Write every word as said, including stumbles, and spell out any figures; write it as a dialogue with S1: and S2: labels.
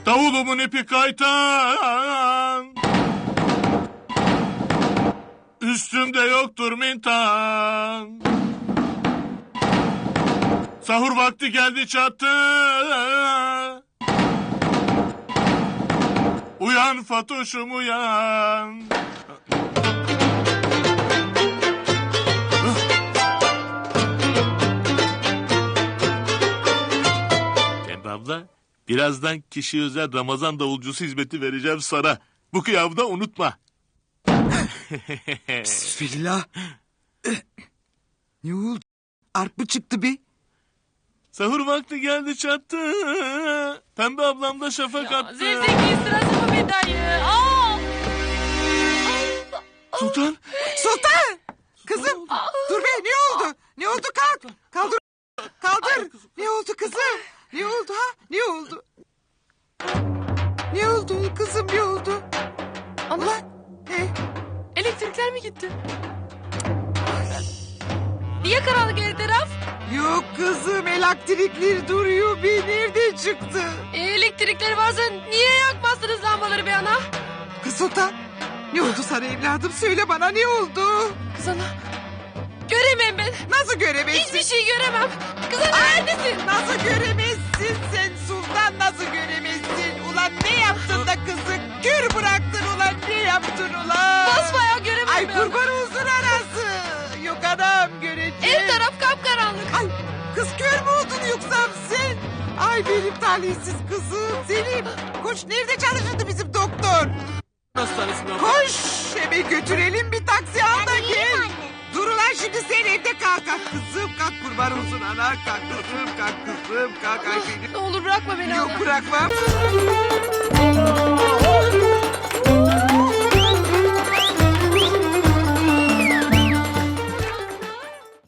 S1: Davulumun ipi kaytan, üstümde yoktur mintan. Sahur vakti geldi çattı, uyan Fatoş'um uyan. Pembe abla, birazdan kişi özel Ramazan davulcusu hizmeti vereceğim sana. Bu kıyafda unutma.
S2: Bismillah. Ne oldu? Arp mı çıktı be?
S1: Sahur vakti geldi çattı, Pembe ablam da şafak attı.
S3: Zevzekliğin sırası mı be dayı? Aa!
S1: Sultan.
S2: Sultan! Kızım dur be, ne oldu? Ne oldu, kalk. Kaldır. Kaldır. Ne oldu kızım? Ne oldu ha? Ne oldu? Ne oldu kızım, ne oldu?
S3: Ana,
S2: He?
S3: elektrikler mi gitti? Niye karanlık her taraf?
S2: Yok kızım, elektrikler duruyor be, nerede çıktı?
S3: E, elektrikler varsa niye yakmazsınız lambaları be ana?
S2: Kız Sultan, ne oldu sana evladım, söyle bana, ne oldu?
S3: Kız ana, göremem ben.
S2: Nasıl göremezsin?
S3: Hiçbir şey göremem. Kız ana neredesin?
S2: Nasıl göremezsin sen Sultan, nasıl göremezsin? Ulan ne yaptın da kızı kör bıraktın ulan, ne yaptın ulan?
S3: Basbayağı göremem
S2: Ay
S3: ben.
S2: kurban olsun anası. Yok anam, göreceğim.
S3: Her taraf kapkaranlık.
S2: Ay kız, kör mü oldun yoksa sen? Ay benim talihsiz kızım. Selim koş, nerede çalışırdı bizim doktor?
S1: Hastanesine abla.
S2: Koş hemen götürelim, bir taksi al da gel. Dur ulan, şimdi sen evde kalk. Kalk kızım, kalk, kurban olsun ana. Kalk kızım, kalk kızım, kalk. Ay benim.
S3: Ne olur bırakma beni
S2: Yok
S3: ana.
S2: bırakmam.